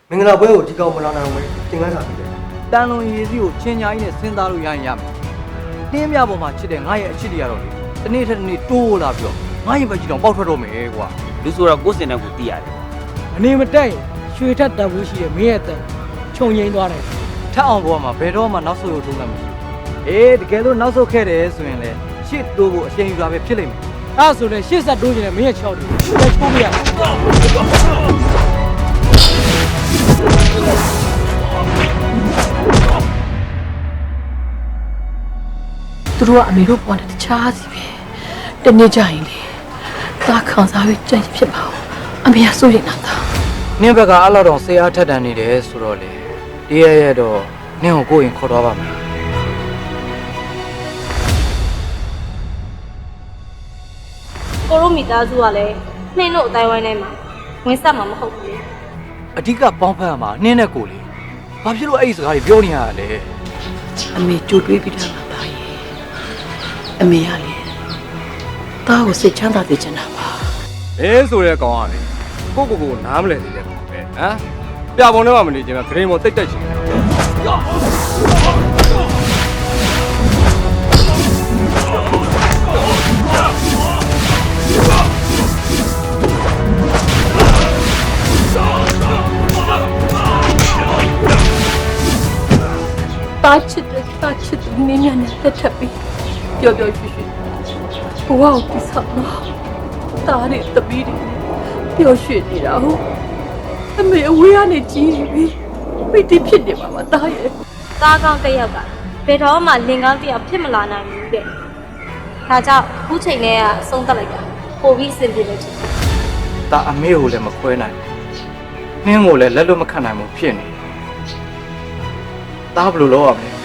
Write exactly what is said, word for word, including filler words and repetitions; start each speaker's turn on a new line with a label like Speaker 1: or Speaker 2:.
Speaker 1: မင်္ဂလာပွဲကိုဒီကောင်မလာနိုင်ဘူးသင်ခန်းစာပြီးတယ်
Speaker 2: တန်လွန်ရည်စီကိုချင်းညာကြီးနဲ့စဉ်းစားလို့ရရင်ရမယ်တင်းမြပေါ်မှာချစ်တဲ့ငါရဲ့အချစ်တွေကတော့လေတနေ့ထက်တနေ့တိုးလာပြီးတော့ငါရဲ့ဘက်ကြီးတော့ပေါက်ထွက်တော့မယ်ကွာ
Speaker 3: လူဆိုတော့ကိုယ်စင်တဲ့ကိုသိရတယ်
Speaker 4: အနေမတက်ရင်ရွှေထက်တက်ဘူးရှိရဲ့မင်းရဲ့တက်ခြုံငိမ့်သွားတယ်
Speaker 2: ထက်အောင်ပေါ်မှာဘယ်တော့မှနောက်ဆုတ်ရုံထုံးမှမရှိဘူးအေးတကယ်လို့နောက်ဆုတ်ခဲ့တယ်ဆိုရင်လေရှစ်တိုးဖို့အချိန်ယူတာပဲဖြစ်လိမ့်မယ်
Speaker 4: အဲ့ဆိုလဲရှေ့ဆက်တိုးကျင်တယ်မင်းရဲ့ချောက်တယ်လက်ချိုးပြရ
Speaker 5: သူတို့ကအမေတို့ပေါ်တဲ့တခြားစီပဲတနေ့ကျရင်လေသာခံစားပြီးကြံ့ဖြစ်ပါဦးအမေကစိုးရိမ်နေတာ
Speaker 2: နင်းဘက်ကအဲ့လောက်တော့ဆေးအားထက်တန်နေတယ်ဆိုတော့လေဒီရရတော့နင်းကိုကိုယ်ရင်ခေါ်တော့ပါမယ်
Speaker 6: ကိုရိုမီသားစုကလည်းနှင်းတို့အတိုင်းဝိုင်းထဲမှာဝင်ဆက်မှာမဟုတ်ဘူး
Speaker 2: အဓိကပေါင်းဖက်ရမှာနင်းနဲ့ကိုလေဘာဖြစ်လို့အဲ့ဒီစကားတွေပြောနေရလဲ
Speaker 5: အမေကြိုတွေးပြီးတာပါရဲ့အမေကလေတားကိုစိတ်ချမ်းသာစေချင်တာပါ
Speaker 7: အဲဆိုတဲ့ကောင်ကလေကိုကိုကိုနားမလဲသေးတဲ့ကောင်ပဲဟမ်ပြပုံထဲမှာမနေချင်ဘူးဂရိမောတိတ်တက်ချင်တယ်
Speaker 5: တားချစ်တဲ့တားချစ်တဲ့မင်းများနဲ့တက်ထပ်ပြီးပျော်ပျော်ရွှင်ရွှင်ဘဝကိုတိဆောက်တော့တားတဲ့တပီးတွေပျော်ရွှင်နေတာဟုတ်အမေအဝေးကနေကြည့်ပြီးပိတိဖြစ်နေမှာမတားရဲ့
Speaker 6: သားကောင်းတစ်ယောက်ကဘယ်တော့မှလင်ကောင်းတစ်ယောက်ဖြစ်မလာနိုင်ဘူးတဲ့ဒါကြောင့်အခုချိန်လေးကအဆုံးသတ်လိုက်တာပိုပြီးစင်ပြေလို့ချင်တယ်
Speaker 2: ဒါအမေကိုလည်းမခွဲနိုင်ဘူးနင်းကိုလည်းလက်လွတ်မခံနိုင်ဘူးဖြစ်နေဒါဘယ်လိုလုပ်ရမလဲ